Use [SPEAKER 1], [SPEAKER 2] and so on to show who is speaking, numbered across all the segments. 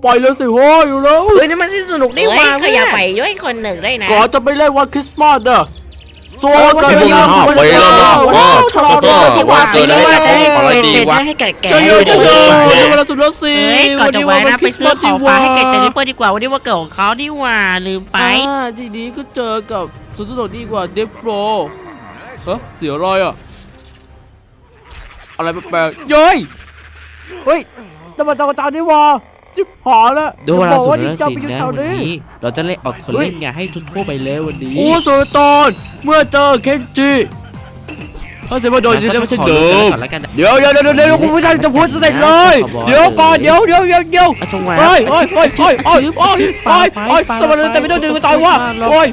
[SPEAKER 1] ไปเลยสิโว้ยอยู่แล้ว
[SPEAKER 2] นี่มันสนุกได้ว่าขยับไปด้วยคนหนึ่งได้นะ
[SPEAKER 1] ก่อนจะไปเล่นวันคริสต์มาสเด้อโซ่กัน
[SPEAKER 3] ที่พวกนั้นห้าปีแล้วนะ
[SPEAKER 1] ชะลอด้วย
[SPEAKER 2] ที่ว่าไปเลย
[SPEAKER 3] จะให้อะไรดีวะ
[SPEAKER 2] ให้แก่แก่
[SPEAKER 1] จะเยอะจะเยอะเวลาสุดแล้วสิ
[SPEAKER 2] ก่อนจะไว้นะไปซื้อของฝากให้แกเจนิเปอร์ดีกว่าวันนี้ว่าเกิดของเขาดีว่าลืมไป
[SPEAKER 1] ทีนี้ก็เจอกับสุดสนุกดีกว่าเดฟโปรเสียอะไรอ่ะอะไรแปลกๆเย้ยเฮ้ยตำรวจจับกระจายนี่วะจิ๊บหอแล้ว
[SPEAKER 4] ดูเวลาสุดแล้ว
[SPEAKER 1] จะ
[SPEAKER 4] สิ
[SPEAKER 1] ไปอยู่
[SPEAKER 4] นะ
[SPEAKER 1] แถว
[SPEAKER 4] วัน
[SPEAKER 1] นี้
[SPEAKER 4] นี้เราจะเล่นออกคนเล่นไงให้ทั่วไปเลยวันนี้
[SPEAKER 1] โอ้โซตอนเมื่อเจอเคนจิเขาเสียว่าโดนจะไม่ใช่เดิมเดี๋ยวคุณผู้ชายจะพูดเสร็จเลยเดี๋ยวก่อนเดี๋ยว
[SPEAKER 4] จงไว้
[SPEAKER 1] โอ้ยสมัยแต่ไม่ต้องดึงกันตายวะโอ้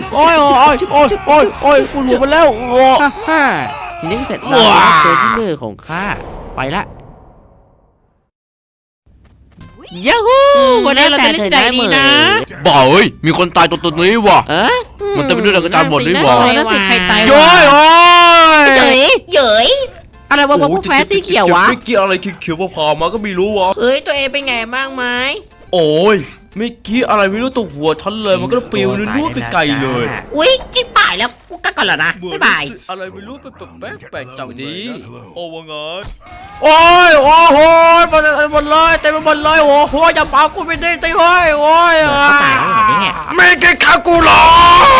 [SPEAKER 1] ยคุณหลุดมาแล้วโอ้
[SPEAKER 4] ฮ่าทีนี้ก็เสร็จแล้วตัวที่หนึ่งของข้าไปละ
[SPEAKER 2] ยูฮูวันนี้เราจะเล่นใจดีนะ
[SPEAKER 3] บ่าเอ้ยมีคนตายตัวนี้ว่ะ มันจะไปดูดกระจายหมดนี่หว่า
[SPEAKER 2] แล้วสิใครตาย
[SPEAKER 3] โย้ยโอ้ย
[SPEAKER 2] เหยยอะไรวะพวกแฟสีเขียววะ
[SPEAKER 5] ไม่เกี่ยวอะไรเขียวๆพอมาก็ไม่รู้วะ
[SPEAKER 2] เอ้ยตัวเองเป็นไงบ้างไหม
[SPEAKER 5] โอ้ยไม่กี้อะไรไม่รู้ตกหัวฉันเลยมันก็ปลิวนู่นไกลๆเลย
[SPEAKER 2] อุ้ยจิ๊บป่ายแล้วกูก็ก่อนแล้วนะบ๊ายบาย
[SPEAKER 5] อะไรไม่รู้เป็นแปลกๆจังดีโอ้ว่าไง
[SPEAKER 1] โอ้โหหมดเลยเต็มไปหมดเลยโอ้โหอย่าเป่ากูไม่ได้ตีโอ้ย
[SPEAKER 2] เขาตายแล้วเหรอเนี่ย
[SPEAKER 3] ไม่แกฆ่ากูหรอ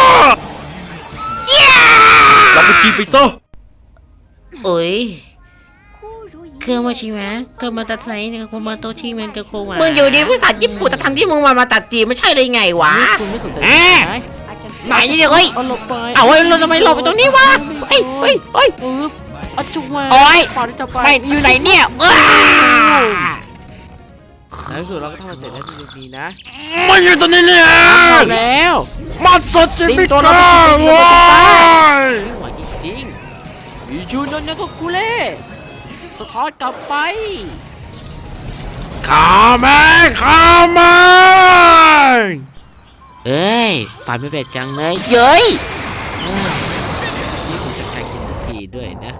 [SPEAKER 5] เราไปกินไปซะ
[SPEAKER 2] เอ้ยเครื่องมาชิมะเครื่องมาตัดไซน์เนี่ยโคมาโตชิมันกับโความึงอยู่ดีภาษาญี่ปุ่นแต่ทำที่มึงมาตัดจีไม่ใช่เลยไงวะ
[SPEAKER 4] คุณไม่สนใจ
[SPEAKER 2] ไหนเนี่ยเอ้ย
[SPEAKER 4] เอาหลบไป
[SPEAKER 2] เอาไว้เราทำไมหลบไปตรงนี้วะเฮ้ย
[SPEAKER 4] เอาจุกมา
[SPEAKER 2] โอ้ย
[SPEAKER 4] ก่อนที่จะไป
[SPEAKER 2] ไม่อยู่ไหนเนี่ย
[SPEAKER 4] ในที่สุดเราก็ทำมันเสร็จแล้วทีนี้นะ
[SPEAKER 3] ไม่อยู่ตรงนี้เนี่ย
[SPEAKER 4] แล้ว
[SPEAKER 3] มันสดจริงไม่กล้า
[SPEAKER 4] ไม่
[SPEAKER 3] ว้าย
[SPEAKER 4] ไหวจริงๆอีจูนนท์ก็กูเล่สะท้อนกลับไป
[SPEAKER 3] ข้าแม่
[SPEAKER 4] เอ้ยฝันไม่เป็ดจังเลยเย้ยนี่ผมจะการคิดสักทีด้วยนะ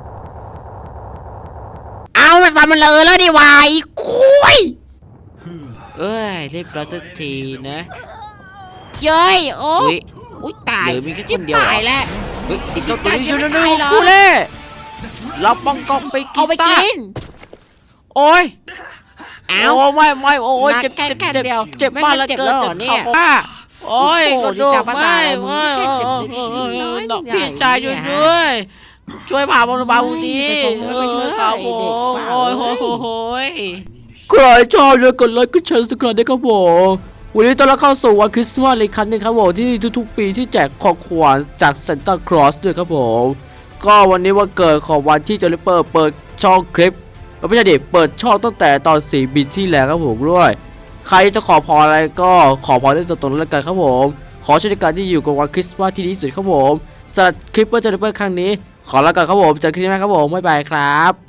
[SPEAKER 2] เอามันทำมันเลยแล้วดิวายคุย
[SPEAKER 4] เอ้ยเรียบร้อยสักทีนะ
[SPEAKER 2] เย้ยโอ้
[SPEAKER 4] อุ้ย
[SPEAKER 2] อุ้ยตาย
[SPEAKER 4] เหลือมีแค่คนเดียว
[SPEAKER 2] ตายแล้ว
[SPEAKER 4] เฮ้ยอีกเจ้าตัวนี้
[SPEAKER 2] จะ
[SPEAKER 4] อยู่
[SPEAKER 2] ตาย
[SPEAKER 4] ใน
[SPEAKER 2] เหรอ
[SPEAKER 4] กูเล่เราป้องกองไปกิ
[SPEAKER 2] เอา
[SPEAKER 4] น
[SPEAKER 2] ไป
[SPEAKER 4] ซะ
[SPEAKER 2] กิน
[SPEAKER 4] โอ้ย
[SPEAKER 2] เอา
[SPEAKER 4] โอ้ไม่โอ้ยเจ็บ
[SPEAKER 2] แค่เดียว
[SPEAKER 4] เจ็บมากเหลือเกิน
[SPEAKER 2] ไม่
[SPEAKER 4] เจ็บ
[SPEAKER 2] เจ็บ
[SPEAKER 4] เข่า
[SPEAKER 2] แล้วเหรอเนี่ย
[SPEAKER 4] โอ้ย
[SPEAKER 2] โอ้โห
[SPEAKER 4] กระดู
[SPEAKER 2] นี่
[SPEAKER 4] ก
[SPEAKER 2] จับมา
[SPEAKER 4] ไม่
[SPEAKER 2] ตาย
[SPEAKER 4] ไม่
[SPEAKER 2] เจ็บนิดน้อย
[SPEAKER 4] น้อง
[SPEAKER 2] ใหญ่
[SPEAKER 4] พี่ชายช่วยด้วย ช่วยพาบอลบาลดีครับผมโอ้ยโอ้ย
[SPEAKER 1] ใครชอบเลยกดไลค์กดแชร์สกรได้ครับผมวันนี้ต้อนรับเข้าสู่วันคริสต์มาสอีกครั้งนึงครับผมที่ทุกๆปีที่แจกของขวัญจากซานตาคลอสด้วยครับผมก็วันนี้วันเกิดของวันที่เจลิเปอร์เปิดช่องคลิปไม่ใช่ดิเปิดช่องตั้งแต่ตอน4 บิตที่แล้วครับผมด้วยใครจะขอพรอะไรก็ขอพรได้ตรงนั้นแล้วกันครับผมขอช่วยในการที่อยู่กับวันคริสต์มาสที่ดีที่สุดครับผมสำหรับคลิปเจลิเปอร์ครั้งนี้ขอลาก่อนครับผมเจอกันคลิปหน้าครับผมบ๊ายบายครับ